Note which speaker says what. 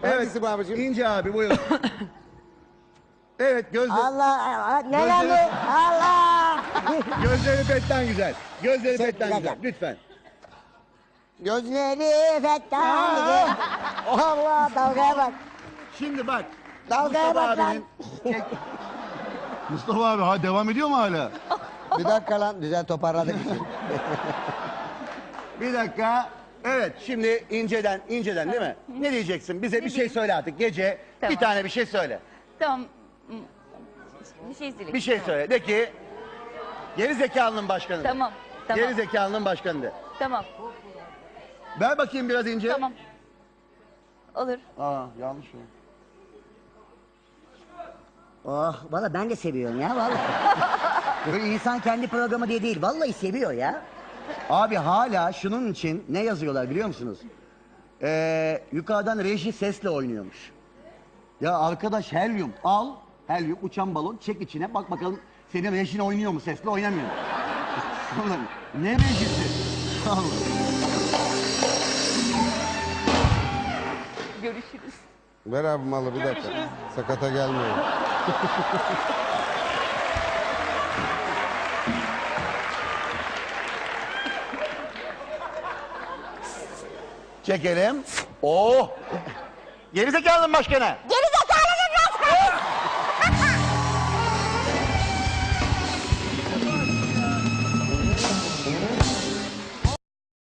Speaker 1: Evet.
Speaker 2: Hangisi bu abicim?
Speaker 1: İnce abi buyurun. Evet gözleri.
Speaker 3: Allah, ne
Speaker 1: Gözleri-
Speaker 3: geldi? Allah!
Speaker 1: Gözleri fetten güzel. Gözleri
Speaker 3: Şey,
Speaker 1: fetten
Speaker 3: bir
Speaker 1: güzel.
Speaker 3: dakika.
Speaker 1: Lütfen.
Speaker 3: Gözleri fettan gibi. Allah, dalgaya bak.
Speaker 1: Şimdi bak.
Speaker 3: Dalgaya
Speaker 1: Mustafa
Speaker 3: bak lan.
Speaker 1: abinin... Mustafa abi ha devam ediyor mu hala?
Speaker 3: Bir dakika lan, güzel toparladık için.
Speaker 1: Bir dakika. Evet şimdi inceden değil mi? Ne diyeceksin? Bize bir şey söyle artık gece.
Speaker 4: Tamam.
Speaker 1: Bir tane bir şey söyle.
Speaker 4: Tamam. Bir şey söyleyeyim.
Speaker 1: Bir şey söyle. De ki geri zekalının başkanı.
Speaker 4: Tamam. Tamam.
Speaker 1: Geri zekalının başkanı de.
Speaker 4: Tamam.
Speaker 1: Ver bakayım biraz ince.
Speaker 4: Tamam. Olur.
Speaker 1: Aa yanlış o.
Speaker 3: Oh, valla ben de seviyorum ya, valla. Böyle insan kendi programı diye değil, vallahi seviyor ya.
Speaker 1: Abi hala şunun için ne yazıyorlar biliyor musunuz? Yukarıdan reji sesle oynuyormuş. Ya arkadaş helyum al. Helyum uçan balon çek içine bak bakalım senin rejin oynuyor mu sesle oynamıyor mu? Oğlum, ne rejisi? Allah.
Speaker 4: Görüşürüz.
Speaker 2: Ver abi malı bir dakika. Sakata gelmeyin.
Speaker 1: Çekelim. Oh! Gerizekalının başkanı.
Speaker 3: Geri